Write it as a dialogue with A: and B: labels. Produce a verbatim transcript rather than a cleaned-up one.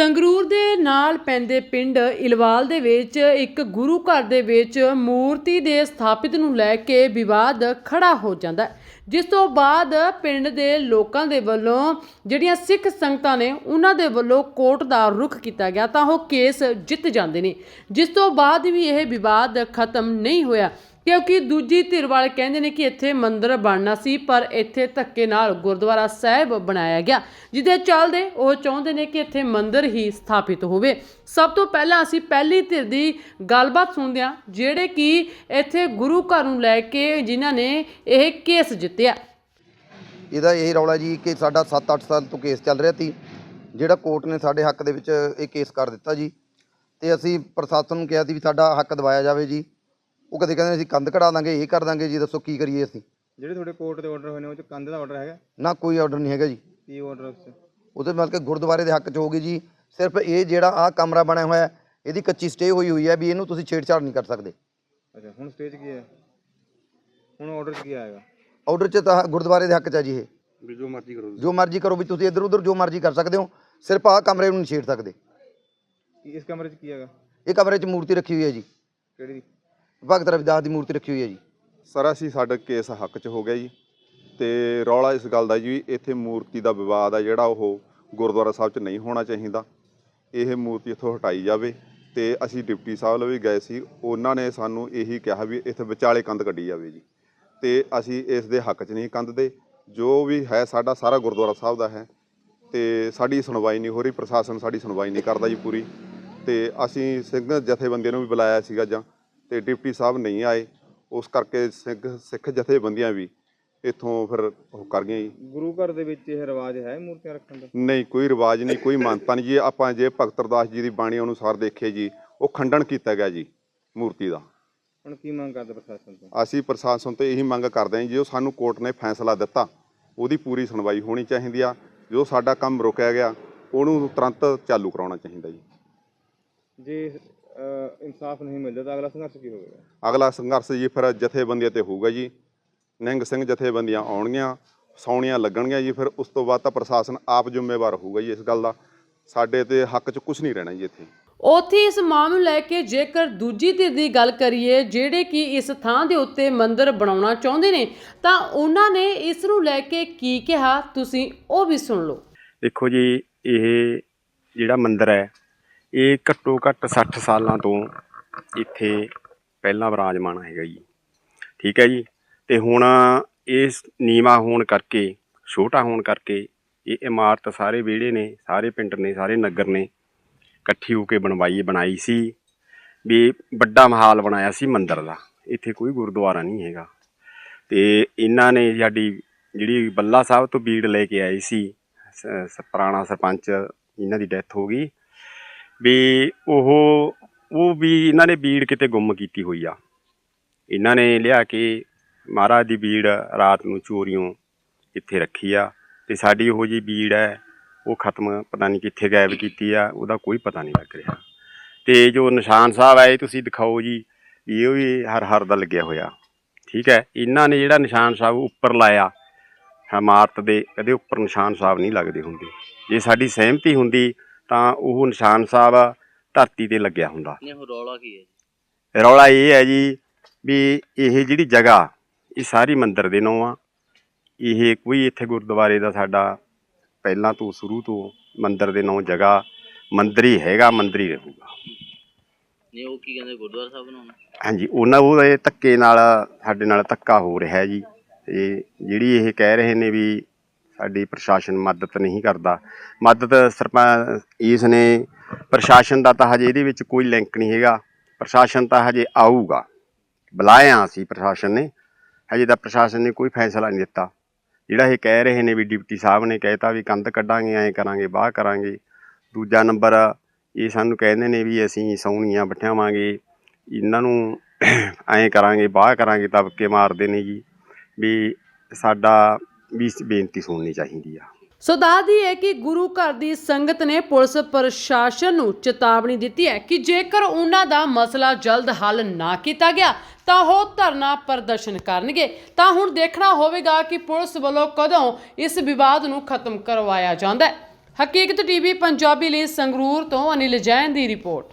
A: ਸੰਗਰੂਰ ਦੇ ਨਾਲ ਪੈਂਦੇ ਪਿੰਡ ਇਲਵਾਲ ਦੇ ਵਿੱਚ ਇੱਕ ਗੁਰੂ ਘਰ ਦੇ ਵਿੱਚ ਮੂਰਤੀ ਦੇ ਸਥਾਪਿਤ ਨੂੰ ਲੈ ਕੇ ਵਿਵਾਦ ਖੜਾ ਹੋ ਜਾਂਦਾ ਹੈ, ਜਿਸ ਤੋਂ ਬਾਅਦ ਪਿੰਡ ਦੇ ਲੋਕਾਂ ਦੇ ਵੱਲੋਂ ਜਿਹੜੀਆਂ ਸਿੱਖ ਸੰਗਤਾਂ ਨੇ ਉਹਨਾਂ ਦੇ ਵੱਲੋਂ ਕੋਰਟ ਦਾ ਰੁਖ ਕੀਤਾ ਗਿਆ ਤਾਂ ਉਹ ਕੇਸ ਜਿੱਤ ਜਾਂਦੇ ਨੇ, ਜਿਸ ਤੋਂ ਬਾਅਦ ਵੀ ਇਹ ਵਿਵਾਦ ਖਤਮ ਨਹੀਂ ਹੋਇਆ क्योंकि दूजी धिर वाले कहते हैं कि इत्थे मंदिर बनना सी पर इत्थे धक्के नाल गुरुद्वारा साहिब बनाया गया, जिहदे चलदे वो चाहुंदे ने कि इत्थे मंदिर ही स्थापित होवे। सब तो पहला असीं पहली धिर दी गलबात सुणदे हां जिहड़े कि इत्थे गुरु घर नूं लै के जिन्हां ने यह केस जित्तिया।
B: ਇਹਦਾ ਇਹ ਰੌਲਾ ਜੀ ਕਿ ਸਾਡਾ ਸੱਤ ਅੱਠ ਸਾਲ ਤੋਂ ਕੇਸ ਚੱਲ ਰਿਹਾ ਸੀ, ਜਿਹੜਾ ਕੋਰਟ ਨੇ ਸਾਡੇ ਹੱਕ ਦੇ ਵਿੱਚ ਇਹ ਕੇਸ ਕਰ ਦਿੱਤਾ ਜੀ, ਤੇ ਅਸੀਂ ਪ੍ਰਸ਼ਾਸਨ ਨੂੰ ਕਿਹਾ ਸੀ ਵੀ ਸਾਡਾ ਹੱਕ ਦਿਵਾਇਆ ਜਾਵੇ ਜੀ। ਉਹ ਕਦੇ ਕਹਿੰਦੇ ਅਸੀਂ ਕੰਧ ਕਢਾ ਦਾਂਗੇ, ਇਹ ਕਰ ਦਾਂਗੇ ਜੀ, ਦੱਸੋ ਕੀ ਕਰੀਏ ਅਸੀਂ।
C: ਜਿਹੜੇ ਤੁਹਾਡੇ ਕੋਰਟ ਦੇ ਆਰਡਰ ਹੋਏ ਨੇ ਉਹ 'ਚ ਕੰਧ ਦਾ ਆਰਡਰ ਹੈਗਾ?
B: ਨਾ ਕੋਈ ਆਰਡਰ ਨਹੀਂ ਹੈਗਾ ਜੀ।
C: ਕੀ ਆਰਡਰ ਉਸ 'ਚ?
B: ਉਹਦੇ ਮਤਲਬ ਕਿ ਗੁਰਦੁਆਰੇ ਦੇ ਹੱਕ 'ਚ ਹੋਊਗੀ ਜੀ। ਸਿਰਫ ਇਹ ਜਿਹੜਾ ਆਹ ਕਮਰਾ ਬਣਿਆ ਹੋਇਆ ਇਹਦੀ ਕੱਚੀ ਸਟੇ ਹੋਈ ਹੋਈ ਹੈ ਵੀ ਇਹਨੂੰ ਤੁਸੀਂ ਛੇੜਛਾੜ ਨਹੀਂ ਕਰ ਸਕਦੇ।
C: ਅੱਛਾ, ਹੁਣ ਸਟੇਜ ਕੀ ਹੈ? ਹੁਣ ਆਰਡਰ 'ਚ ਕੀ ਆਏਗਾ?
B: ਆਰਡਰ 'ਚ ਤਾਂ ਗੁਰਦੁਆਰੇ ਦੇ ਹੱਕ 'ਚ ਹੈ ਜੀ, ਇਹ
C: ਵੀ ਜੋ ਮਰਜ਼ੀ ਕਰੋ,
B: ਜੋ ਮਰਜ਼ੀ ਕਰੋ ਵੀ ਤੁਸੀਂ ਇੱਧਰ ਉੱਧਰ ਜੋ ਮਰਜ਼ੀ ਕਰ ਸਕਦੇ ਹੋ, ਸਿਰਫ ਆਹ ਕਮਰੇ ਨੂੰ ਨਹੀਂ ਛੇੜ ਸਕਦੇ।
C: ਇਸ ਕਮਰੇ 'ਚ ਕੀ ਹੈਗਾ?
B: ਇਹ ਕਮਰੇ 'ਚ ਮੂਰਤੀ ਰੱਖੀ ਹੋਈ ਹੈ ਜੀ,
C: ਕਿਹੜੀ?
B: ਭਗਤ ਰਵਿਦਾਸ ਦੀ ਮੂਰਤੀ ਰੱਖੀ ਹੋਈ ਹੈ ਜੀ।
D: ਸਰ ਅਸੀਂ ਸਾਡਾ ਕੇਸ ਹੱਕ 'ਚ ਹੋ ਗਿਆ ਜੀ, ਤੇ ਰੌਲਾ ਇਸ ਗੱਲ ਦਾ ਜੀ ਇੱਥੇ ਮੂਰਤੀ ਦਾ ਵਿਵਾਦ ਆ ਜਿਹੜਾ ਉਹ ਗੁਰਦੁਆਰਾ ਸਾਹਿਬ 'ਚ ਨਹੀਂ ਹੋਣਾ ਚਾਹੀਦਾ। ਇਹ ਮੂਰਤੀ ਇੱਥੋਂ ਹਟਾਈ ਜਾਵੇ, ਤੇ ਅਸੀਂ ਡਿਪਟੀ ਸਾਹਿਬ ਲਈ ਵੀ ਗਏ ਸੀ, ਉਹਨਾਂ ਨੇ ਸਾਨੂੰ ਇਹੀ ਕਿਹਾ ਵੀ ਇੱਥੇ ਵਿਚਾਲੇ ਕੰਧ ਕੱਢੀ ਜਾਵੇ ਜੀ, ਤੇ ਅਸੀਂ ਇਸ ਦੇ ਹੱਕ 'ਚ ਨਹੀਂ ਕੰਧ ਦੇ। ਜੋ ਵੀ ਹੈ ਸਾਡਾ ਸਾਰਾ ਗੁਰਦੁਆਰਾ ਸਾਹਿਬ ਦਾ ਹੈ, ਤੇ ਸਾਡੀ ਸੁਣਵਾਈ ਨਹੀਂ ਹੋ ਰਹੀ, ਪ੍ਰਸ਼ਾਸਨ ਸਾਡੀ ਸੁਣਵਾਈ ਨਹੀਂ ਕਰਦਾ ਜੀ ਪੂਰੀ। ਤੇ ਅਸੀਂ ਸਿੰਘ ਜਥੇਬੰਦੀਆਂ ਨੂੰ ਵੀ ਬੁਲਾਇਆ ਸੀਗਾ ਜਾਂ ਤੇ ਡਿਪਟੀ ਸਾਹਿਬ ਨਹੀਂ ਆਏ, ਉਸ ਕਰਕੇ ਸਿੱਖ ਸਿੱਖ ਜਥੇਬੰਦੀਆਂ ਵੀ ਇੱਥੋਂ ਫਿਰ ਉਹ ਕਰ ਗਈਆਂ ਜੀ।
C: ਗੁਰੂ ਘਰ ਦੇ ਵਿੱਚ ਇਹ ਰਿਵਾਜ ਹੈ ਮੂਰਤੀਆਂ ਰੱਖਣ ਦਾ?
D: ਨਹੀਂ, ਕੋਈ ਰਿਵਾਜ ਨਹੀਂ, ਕੋਈ ਮਾਨਤਾ ਨਹੀਂ ਜੀ। ਆਪਾਂ ਜੇ ਭਗਤ ਰਵਿਦਾਸ ਜੀ ਦੀ ਬਾਣੀ ਅਨੁਸਾਰ ਦੇਖੀਏ ਜੀ, ਉਹ ਖੰਡਨ ਕੀਤਾ ਗਿਆ ਜੀ ਮੂਰਤੀ ਦਾ।
C: ਹੁਣ ਕੀ ਮੰਗ ਕਰਦੇ ਪ੍ਰਸ਼ਾਸਨ ਤੋਂ?
D: ਅਸੀਂ ਪ੍ਰਸ਼ਾਸਨ ਤੋਂ ਇਹੀ ਮੰਗ ਕਰਦੇ ਹਾਂ ਜੀ, ਜੋ ਸਾਨੂੰ ਕੋਰਟ ਨੇ ਫੈਸਲਾ ਦਿੱਤਾ ਉਹਦੀ ਪੂਰੀ ਸੁਣਵਾਈ ਹੋਣੀ ਚਾਹੀਦੀ ਆ। ਜੋ ਸਾਡਾ ਕੰਮ ਰੁਕਿਆ ਗਿਆ ਉਹਨੂੰ ਤੁਰੰਤ ਚਾਲੂ ਕਰਾਉਣਾ ਚਾਹੀਦਾ ਜੀ।
C: ਜੇ ਇਨਸਾਫ ਨਹੀਂ ਮਿਲਦਾ ਤਾਂ ਅਗਲਾ ਸੰਘਰਸ਼ ਕੀ ਹੋਵੇਗਾ?
D: ਅਗਲਾ ਸੰਘਰਸ਼ ਜੀ ਫਿਰ ਜਥੇਬੰਦੀਆਂ ਤੇ ਹੋਊਗਾ ਜੀ। ਨਿਹੰਗ ਸਿੰਘ ਜਥੇਬੰਦੀਆਂ ਆਉਣਗੀਆਂ, ਸੌਣੀਆਂ ਲੱਗਣਗੀਆਂ ਜੀ, ਫਿਰ ਉਸ ਤੋਂ ਬਾਅਦ ਤਾਂ ਪ੍ਰਸ਼ਾਸਨ ਆਪ ਜ਼ਿੰਮੇਵਾਰ ਹੋਊਗਾ ਜੀ ਇਸ ਗੱਲ ਦਾ। ਸਾਡੇ ਤੇ ਹੱਕ 'ਚ ਕੁਝ ਨਹੀਂ ਰਹਿਣਾ ਜੀ ਇੱਥੇ।
A: ਉੱਥੇ ਇਸ ਮਾਮਲੇ ਨੂੰ ਲੈ ਕੇ ਜੇਕਰ ਦੂਜੀ ਧਿਰ ਦੀ ਗੱਲ ਕਰੀਏ ਜਿਹੜੇ ਕਿ ਇਸ ਥਾਂ ਦੇ ਉੱਤੇ ਮੰਦਿਰ ਬਣਾਉਣਾ ਚਾਹੁੰਦੇ ਨੇ ਤਾਂ ਉਹਨਾਂ ਨੇ ਇਸ ਨੂੰ ਲੈ ਕੇ ਕੀ ਕਿਹਾ, ਤੁਸੀਂ ਉਹ ਵੀ ਸੁਣ ਲਓ।
E: ਦੇਖੋ ਜੀ, ਇਹ ਜਿਹੜਾ ਮੰਦਿਰ ਹੈ ਇਹ ਘੱਟੋ ਘੱਟ ਸੱਠ ਸਾਲਾਂ ਤੋਂ ਇੱਥੇ ਪਹਿਲਾਂ ਵਿਰਾਜਮਾਨ ਹੈਗਾ ਜੀ, ਠੀਕ ਹੈ ਜੀ। ਤੇ ਹੁਣ ਇਸ ਨੀਵਾਂ ਹੋਣ ਕਰਕੇ, ਛੋਟਾ ਹੋਣ ਕਰਕੇ ਇਹ ਇਮਾਰਤ ਸਾਰੇ ਵਿਹੜੇ ਨੇ, ਸਾਰੇ ਪਿੰਡ ਨੇ, ਸਾਰੇ ਨਗਰ ਨੇ ਇਕੱਠੀ ਹੋ ਕੇ ਬਣਵਾਈ ਬਣਾਈ ਸੀ ਵੀ ਵੱਡਾ ਮਹਾਲ ਬਣਾਇਆ ਸੀ ਮੰਦਿਰ ਦਾ। ਇੱਥੇ ਕੋਈ ਗੁਰਦੁਆਰਾ ਨਹੀਂ ਹੈਗਾ, ਤੇ ਇਹਨਾਂ ਨੇ ਸਾਡੀ ਜਿਹੜੀ ਬੱਲਾ ਸਾਹਿਬ ਤੋਂ ਬੀੜ ਲੈ ਕੇ ਆਏ ਸੀ, ਪੁਰਾਣਾ ਸਰਪੰਚ ਇਹਨਾਂ ਦੀ ਡੈਥ ਹੋ ਗਈ ਵੀ ਉਹ ਉਹ ਵੀ ਇਹਨਾਂ ਨੇ ਬੀੜ ਕਿਤੇ ਗੁੰਮ ਕੀਤੀ ਹੋਈ ਆ। ਇਹਨਾਂ ਨੇ ਲਿਆ ਕੇ ਮਹਾਰਾਜ ਦੀ ਬੀੜ ਰਾਤ ਨੂੰ ਚੋਰੀਓਂ ਇੱਥੇ ਰੱਖੀ ਆ, ਤੇ ਸਾਡੀ ਉਹੋ ਜਿਹੀ ਬੀੜ ਹੈ ਉਹ ਖਤਮ ਪਤਾ ਨਹੀਂ ਕਿੱਥੇ ਗਾਇਬ ਕੀਤੀ ਆ, ਉਹਦਾ ਕੋਈ ਪਤਾ ਨਹੀਂ ਲੱਗ ਰਿਹਾ। ਤੇ ਜੋ ਨਿਸ਼ਾਨ ਸਾਹਿਬ ਹੈ ਇਹ ਤੁਸੀਂ ਦਿਖਾਓ ਜੀ, ਇਹ ਵੀ ਹਰ ਹਰ ਦਾ ਲੱਗਿਆ ਹੋਇਆ, ਠੀਕ ਹੈ। ਇਹਨਾਂ ਨੇ ਜਿਹੜਾ ਨਿਸ਼ਾਨ ਸਾਹਿਬ ਉੱਪਰ ਲਾਇਆ ਇਮਾਰਤ ਦੇ, ਕਦੇ ਉੱਪਰ ਨਿਸ਼ਾਨ ਸਾਹਿਬ ਨਹੀਂ ਲੱਗਦੇ ਹੁੰਦੇ। ਜੇ ਸਾਡੀ ਸਹਿਮਤੀ ਹੁੰਦੀ ਤਾਂ ਉਹ ਨਿਸ਼ਾਨ ਸਾਹਿਬ ਧਰਤੀ ਤੇ ਲੱਗਿਆ ਹੁੰਦਾ।
F: ਰੌਲਾ ਕੀ ਹੈ?
E: ਰੌਲਾ ਇਹ ਹੈ ਜੀ ਵੀ ਇਹ ਜਿਹੜੀ ਜਗ੍ਹਾ ਇਹ ਸਾਰੀ ਮੰਦਿਰ ਦੇ ਨਾਂ ਆ। ਇਹ ਕੋਈ ਇੱਥੇ ਗੁਰਦੁਆਰੇ ਦਾ ਸਾਡਾ ਪਹਿਲਾਂ ਤੋਂ ਸ਼ੁਰੂ ਤੋਂ ਮੰਦਿਰ ਦੇ ਨਾਂ ਜਗ੍ਹਾ ਮੰਦਿਰ ਹੀ ਹੈਗਾ, ਮੰਦਿਰ ਹੀ ਰਹੂਗਾ।
F: ਨਹੀਂ, ਉਹ ਕੀ ਕਹਿੰਦੇ ਗੁਰਦੁਆਰਾ ਸਾਹਿਬ ਬਣਾਉਣਾ?
E: ਹਾਂਜੀ, ਉਹਨਾਂ ਉਹਦੇ ਧੱਕੇ ਨਾਲ ਸਾਡੇ ਨਾਲ ਧੱਕਾ ਹੋ ਰਿਹਾ ਜੀ। ਤੇ ਜਿਹੜੀ ਇਹ ਕਹਿ ਰਹੇ ਨੇ ਵੀ ਸਾਡੀ ਪ੍ਰਸ਼ਾਸਨ ਮਦਦ ਨਹੀਂ ਕਰਦਾ, ਮਦਦ ਸਰਪੰਚ ਇਸ ਨੇ ਪ੍ਰਸ਼ਾਸਨ ਦਾ ਤਾਂ ਹਜੇ ਇਹਦੇ ਵਿੱਚ ਕੋਈ ਲਿੰਕ ਨਹੀਂ ਹੈਗਾ। ਪ੍ਰਸ਼ਾਸਨ ਤਾਂ ਹਜੇ ਆਊਗਾ, ਬੁਲਾਇਆ ਅਸੀਂ ਪ੍ਰਸ਼ਾਸਨ ਨੇ, ਹਜੇ ਤਾਂ ਪ੍ਰਸ਼ਾਸਨ ਨੇ ਕੋਈ ਫੈਸਲਾ ਨਹੀਂ ਦਿੱਤਾ। ਜਿਹੜਾ ਇਹ ਕਹਿ ਰਹੇ ਨੇ ਵੀ ਡਿਪਟੀ ਸਾਹਿਬ ਨੇ ਕਹਿਤਾ ਵੀ ਕੰਧ ਕੱਢਾਂਗੇ, ਐਂ ਕਰਾਂਗੇ, ਬਾਹ ਕਰਾਂਗੇ। ਦੂਜਾ ਨੰਬਰ ਇਹ ਸਾਨੂੰ ਕਹਿੰਦੇ ਨੇ ਵੀ ਅਸੀਂ ਸੌਣੀਆਂ ਬਿਠਾਵਾਂਗੇ, ਇਹਨਾਂ ਨੂੰ ਐਂ ਕਰਾਂਗੇ, ਬਾਹ ਕਰਾਂਗੇ, ਤਬਕੇ ਮਾਰਦੇ ਨੇ ਜੀ। ਵੀ ਸਾਡਾ ਵੀ ਬੇਨਤੀ ਸੁਣਨੀ ਚਾਹੀਦੀ ਆ।
A: ਸੋ ਦੱਸਦੀ ਹੈ ਕਿ ਗੁਰੂ ਘਰ ਦੀ ਸੰਗਤ ਨੇ ਪੁਲਿਸ ਪ੍ਰਸ਼ਾਸਨ ਨੂੰ ਚੇਤਾਵਨੀ ਦਿੱਤੀ ਹੈ ਕਿ ਜੇਕਰ ਉਹਨਾਂ ਦਾ ਮਸਲਾ ਜਲਦ ਹੱਲ ਨਾ ਕੀਤਾ ਗਿਆ ਤਾਂ ਉਹ ਧਰਨਾ ਪ੍ਰਦਰਸ਼ਨ ਕਰਨਗੇ। ਤਾਂ ਹੁਣ ਦੇਖਣਾ ਹੋਵੇਗਾ ਕਿ ਪੁਲਿਸ ਵੱਲੋਂ ਕਦੋਂ ਇਸ ਵਿਵਾਦ ਨੂੰ ਖਤਮ ਕਰਵਾਇਆ ਜਾਂਦਾ ਹੈ। ਹਕੀਕਤ ਟੀਵੀ ਪੰਜਾਬੀ ਲਈ ਸੰਗਰੂਰ ਤੋਂ ਅਨਿਲ ਜੈਨ ਦੀ ਰਿਪੋਰਟ।